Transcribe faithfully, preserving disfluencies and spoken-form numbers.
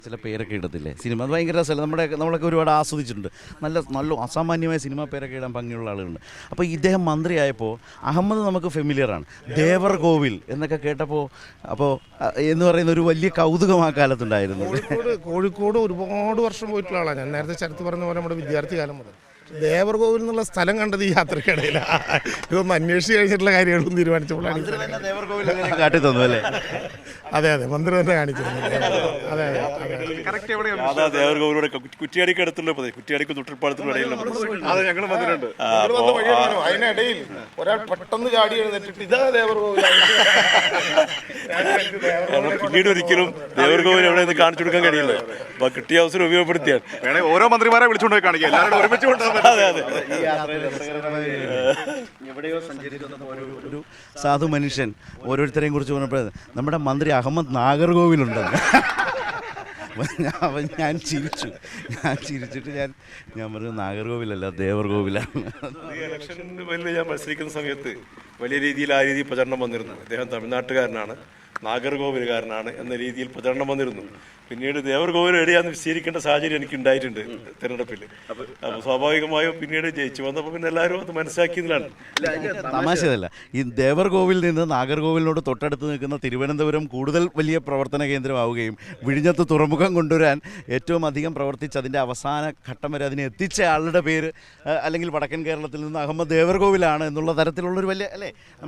ചില പേരൊക്കെ ഇടത്തില്ലേ സിനിമ അത് ഭയങ്കര രസമല്ല. നമ്മുടെ നമ്മളൊക്കെ ഒരുപാട് ആസ്വദിച്ചിട്ടുണ്ട്. നല്ല നല്ല അസാമാന്യമായ സിനിമ പേരൊക്കെ ഇടാൻ ഭംഗിയുള്ള ആളുകളുണ്ട്. അപ്പോൾ ഇദ്ദേഹം മന്ത്രിയായപ്പോൾ അഹമ്മദ് നമുക്ക് ഫെമിലിയറാണ്. ദേവർ കോവിൽ എന്നൊക്കെ കേട്ടപ്പോൾ അപ്പോൾ എന്ന് പറയുന്ന ഒരു വലിയ കൗതുകം ആ കാലത്തുണ്ടായിരുന്നു. കോഴിക്കോട് കോഴിക്കോട് ഒരുപാട് വർഷം പോയിട്ടുള്ള ആളാണ് ഞാൻ. നേരത്തെ ചരിത്രം പറഞ്ഞ പോലെ നമ്മുടെ വിദ്യാർത്ഥി കാലം മുതൽ ദേവർകോവിൽ എന്നുള്ള സ്ഥലം കണ്ടത് ഈ യാത്രക്കിടയിലാണ്. ഇതൊന്നും അന്വേഷിച്ച് കഴിഞ്ഞിട്ടുള്ള കാര്യങ്ങളൊന്നും തീരുമാനിച്ചപ്പോഴാണ് കാട്ടി തന്നു അല്ലേ? അതെ അതെ മന്ത്രി തന്നെ കാണിച്ചിരുന്നു. അതെ അതെ ദേവർകോവിലൂടെ കുറ്റിയാടിക്ക് അടുത്തുള്ള കുറ്റിയാടിക്ക് തൊട്ടിപ്പാടത്തിനുള്ള ഇടയിൽ അതെ ഞങ്ങൾ വന്നിട്ടുണ്ട്. അതിനിടയിൽ ഒരാൾ പെട്ടെന്ന് ചാടി എഴുന്നേറ്റിട്ട് ഇതാ ദേവർകോവിൽ. പിന്നീട് ഒരിക്കലും ദേവർകോവിൽ എവിടെ നിന്ന് കാണിച്ചു കൊടുക്കാൻ കഴിയില്ല. അപ്പൊ കിട്ടിയ അവസരം ഉപയോഗപ്പെടുത്തിയാൽ വേണേ ഓരോ മന്ത്രിമാരെ വിളിച്ചുകൊണ്ട് കാണിക്കുക, എല്ലാവരും ഒരുമിച്ച് കൊണ്ടുവന്നത്. അതെ അതെ എവിടെയോ സഞ്ചരിച്ചു ഒരു സാധു മനുഷ്യൻ ഓരോരുത്തരെയും കുറിച്ച് പറഞ്ഞപ്പോൾ നമ്മുടെ മന്ത്രി അഹമ്മദ് നാഗർകോവിലുണ്ടെന്ന്. അവൻ ഞാൻ ചിരിച്ചു ഞാൻ ചിരിച്ചിട്ട് ഞാൻ ഞാൻ പറഞ്ഞു നാഗർകോവിലല്ല ദേവർകോവിലാണ്. ഇലക്ഷന് വലിയ ഞാൻ മത്സരിക്കുന്ന സമയത്ത് വലിയ രീതിയിൽ ആ രീതിയിൽ പ്രചരണം വന്നിരുന്നു. അദ്ദേഹം തമിഴ്നാട്ടുകാരനാണ്, നാഗർകോവിലുകാരനാണ് എന്ന രീതിയിൽ പ്രചരണം വന്നിരുന്നു. പിന്നീട് ദേവർകോവിൽ എവിടെയാന്ന് വിശദീകരിക്കേണ്ട സാഹചര്യം എനിക്ക് ഉണ്ടായിട്ടുണ്ട് തിരഞ്ഞെടുപ്പിൽ. അപ്പോൾ സ്വാഭാവികമായും പിന്നീട് ജയിച്ചു വന്നപ്പോൾ പിന്നെ എല്ലാവരും അത് മനസ്സിലാക്കിയതിലാണ്. തമാശയല്ല, ഈ ദേവർകോവിൽ നിന്ന് നാഗർകോവിലിനോട് തൊട്ടടുത്ത് നിൽക്കുന്ന തിരുവനന്തപുരം കൂടുതൽ വലിയ പ്രവർത്തന കേന്ദ്രമാവുകയും വിഴിഞ്ഞത്ത് തുറമുഖം കൊണ്ടുവരാൻ ഏറ്റവും അധികം പ്രവർത്തിച്ച് അതിൻ്റെ അവസാന ഘട്ടം വരെ അതിനെ എത്തിച്ച ആളുടെ പേര് അല്ലെങ്കിൽ വടക്കൻ കേരളത്തിൽ നിന്ന് അഹമ്മദ് ദേവർകോവിലാണ് എന്നുള്ള തരത്തിലുള്ളൊരു വലിയ അല്ലേ